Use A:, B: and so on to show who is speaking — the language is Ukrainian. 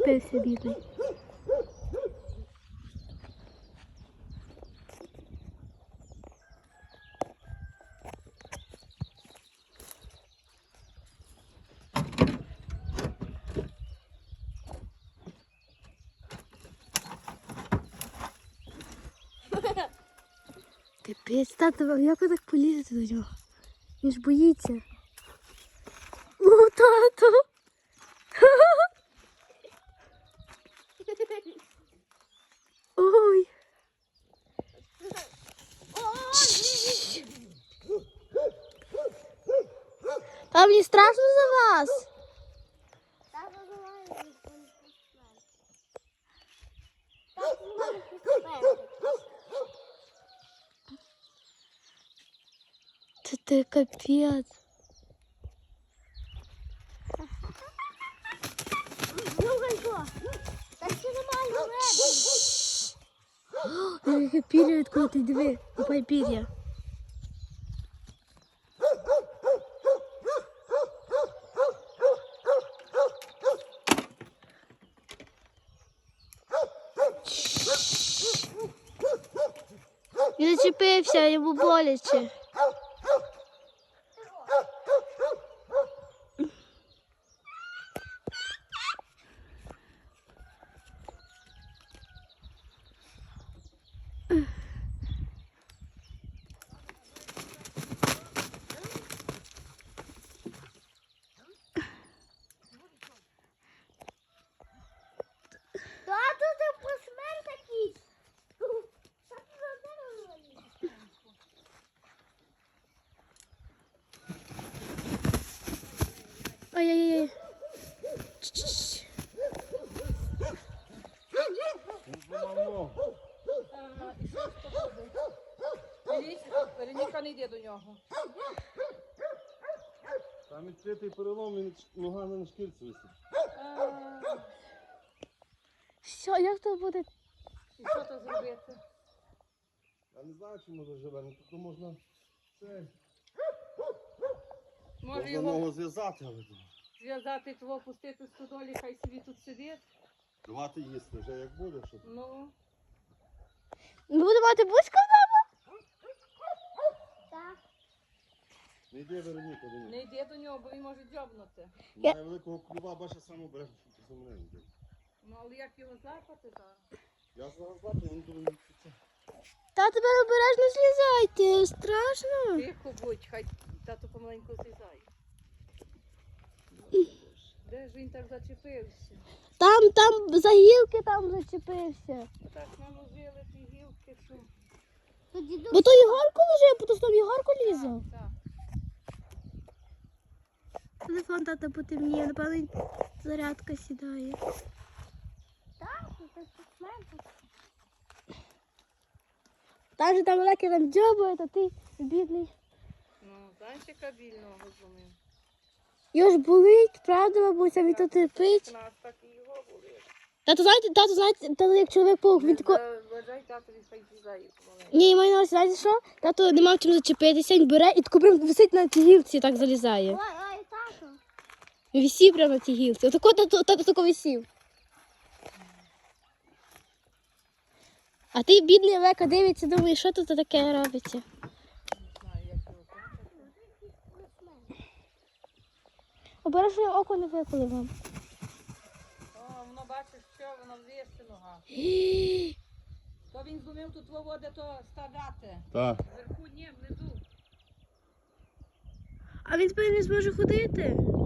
A: зачепився, бідний. Капець, тато, як ви так полізете до нього? Він ж боїться. О, тато! Ой! А мені страшно за вас. Це капець. Яке пір'я відкоти, диви, купай пір'я. Він зачепився, йому боляче.
B: Тато, ти посмерть такий.
A: Ай-яй-яй.
C: Вероніка, не йде до нього.
D: Там відкритий перелом, він нога на шкірці висить.
A: Що, як то буде?
C: І що то зробити?
D: Я не знаю, чи може живе, ну тут можна це.
C: Може
D: Можна
C: його
D: ногу зв'язати, але
C: зв'язати, того пустити в стодолі, хай собі тут сидить.
D: давати їсти вже як буде, щоб.
C: Ну,
A: Ми будемо мати бузька вдома?
B: Так.
D: Не йде Вероніка до нього.
C: не йде до нього, бо він може дзьобнути.
D: Має великого клюва, бачить саме обережно, що це мене йде.
C: Ну, але як його злапати зараз?
D: Я зараз бачу, він думає, що це.
A: Та тепер обережно злізайте, страшно.
C: Тихо будь, хай тато помаленьку злізає. Де ж він так зачепився?
A: Там за гілки там зачепився.
C: Так наложили ті гілки, що...
A: Бо то Єгорко лежив, бо то там Єгорко лізав.
C: Так.
A: Телефон тата потемніє, напевно, зарядка сідає.
B: Так, це посмерть.
A: Там же там велике там дзьобує, то ти бідний.
C: Ну, знаєш, яка біль ногу зломив?
A: Його ж болить, правда, бабуся, він то терпить.
C: У нас так і його були.
A: Тато, знаєте, тато як чоловік-паук, він тако...
C: Вважай, татові хай злізає помаленьку.
A: Ні, маю на увазі, знаєте що? Тато не мав чим зачепитися, він бере і тако прям висить на тій гілці, так залізає.
B: Ой, тато.
A: Він висів прямо на тій гілці. Отако тато тако висів. А ти, бідний Лека, дивиться, думає, що тут таке робиться.
C: Не знаю, як його кончити.
A: Обережно око не виколи вам.
C: О, воно бачиш, що воно ввести нога. То він зломив тут води, то ставляти.
D: Так.
C: Вверху ні, внизу.
A: А він тепер не зможе ходити.